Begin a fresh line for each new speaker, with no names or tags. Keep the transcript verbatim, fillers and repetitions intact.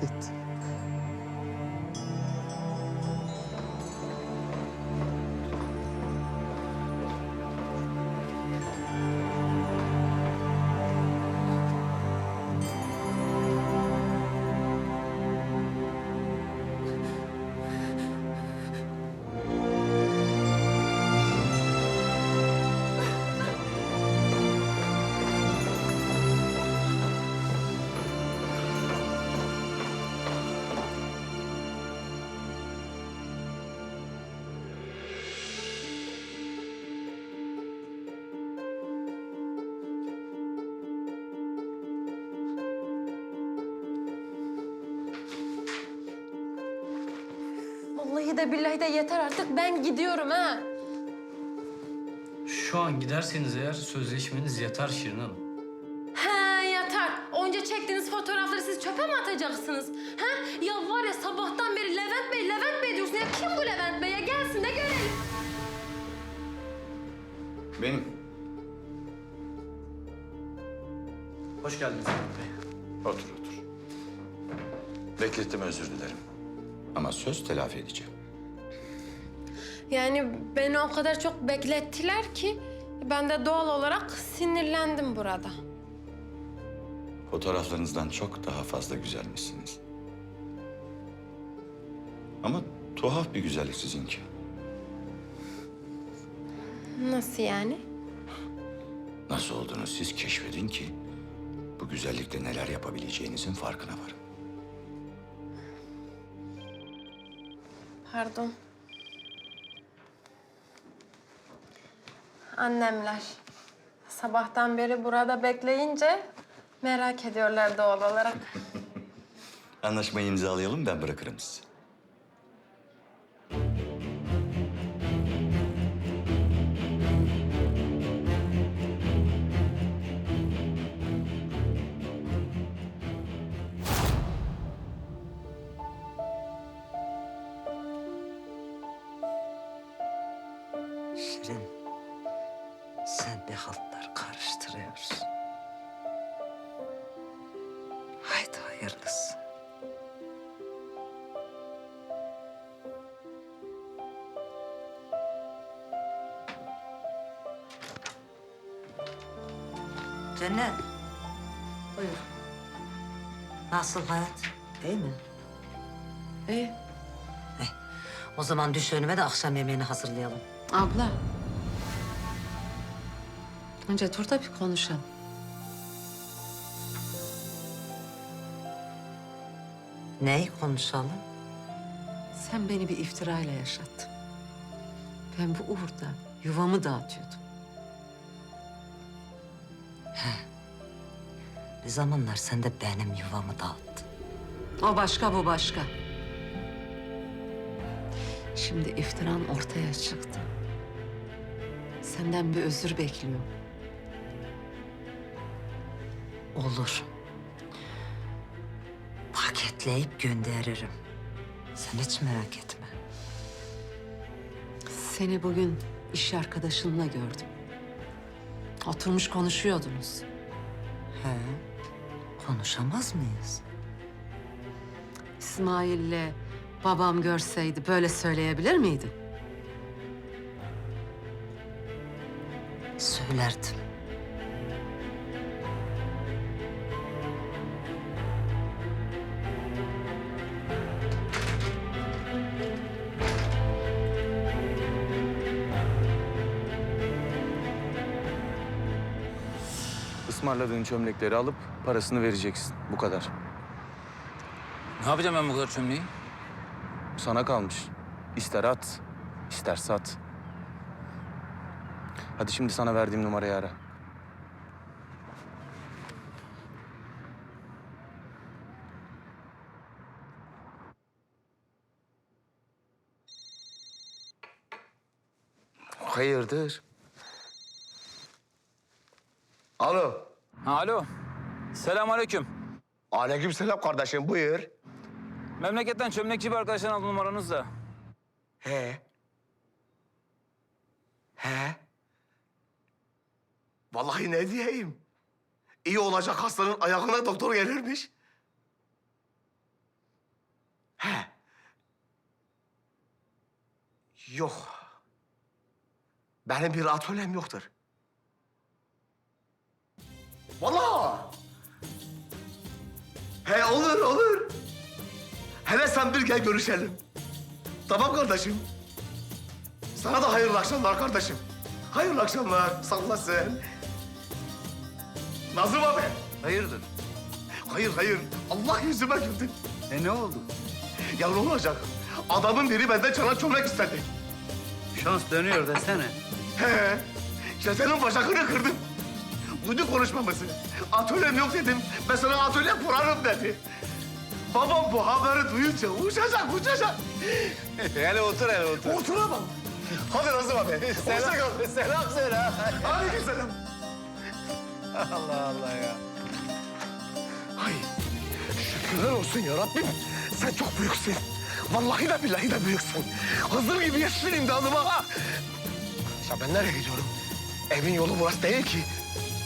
et.
Vallahi de billahi de yeter artık. Ben gidiyorum ha.
Şu an giderseniz eğer sözleşmeniz yatar Şirin Hanım.
He yeter. Onca çektiğiniz fotoğrafları siz çöpe mi atacaksınız? He? Ya var ya sabahtan beri Levent Bey, Levent Bey diyorsun. Ya kim bu Levent Bey ya? Gelsin de görelim.
Benim.
Hoş geldiniz Levent Bey.
Otur otur. Beklettim, özür dilerim. Ama söz telafi edeceğim.
Yani beni o kadar çok beklettiler ki ben de doğal olarak sinirlendim burada.
Fotoğraflarınızdan çok daha fazla güzelmişsiniz. Ama tuhaf bir güzellik sizinki.
Nasıl yani?
Nasıl olduğunu siz keşfedin ki bu güzellikle neler yapabileceğinizin farkına varın.
Pardon. Annemler. Sabahtan beri burada bekleyince merak ediyorlar doğal olarak.
Anlaşmayı imzalayalım, ben bırakırım sizi.
Şirin, sen bir haltlar karıştırıyorsun. Haydi hayırlısı. Cennet. Buyur. Nasıl hayat? İyi mi?
İyi.
O zaman düş önüme de akşam yemeğini hazırlayalım.
Abla. Önce dur da bir konuşalım.
Neyi konuşalım?
Sen beni bir iftirayla yaşattın. Ben bu uğurda yuvamı dağıtıyordum.
Bir zamanlar sen de benim yuvamı dağıttın.
O başka, bu başka. Şimdi iftiran ortaya çıktı. Senden bir özür bekliyorum.
Olur. Paketleyip gönderirim. Sen hiç merak etme.
Seni bugün iş arkadaşınla gördüm. Oturmuş konuşuyordunuz.
He. Konuşamaz mıyız?
İsmail'le babam görseydi böyle söyleyebilir miydin?
Söylerdim.
Ismarladığın çömlekleri alıp parasını vereceksin. Bu kadar.
Ne yapacağım ben bu kadar çömleği?
Sana kalmış. İster at, ister sat. Hadi şimdi sana verdiğim numarayı ara. Hayırdır?
Alo.
Ha, alo. Selamünaleyküm.
Aleykümselam kardeşim, buyur.
Memleketten çömlekçi bir arkadaştan aldım numaranızı da.
He. He. Vallahi ne diyeyim? İyi olacak hastanın ayağına doktor gelirmiş. He. Yok. Benim bir atölyem yoktur. Vallahi. He olur olur. Hele sen bir gel görüşelim. Tamam kardeşim. Sana da hayırlı akşamlar kardeşim. Hayırlı akşamlar. Salla sen. Nazım abi.
Hayırdır?
Hayır hayır. Allah yüzüme güldü.
E ne oldu?
Ya ne olacak? Adamın biri benden çanak çömlek istedi.
Şans dönüyor desene.
He. İşte senin bacakını kırdım. Duydu konuşmamızı. Atölyem yok dedim. Ben sana atölye kurarım dedi. Babam bu haberi duyunca uçacak, uçacak.
hele otur hele otur.
Oturamam. Hadi Nazım abi.
Selam,
Hoşça kal.
selam söyle.
Aleykümselam.
Allah Allah ya.
Ay, şükürler olsun ya Rabbim. Sen çok büyüksün. Vallahi de billahi de büyüksün. Hızır gibi yetiştin imdadıma ha. Ya ben nereye gidiyorum? Evin yolu burası değil ki.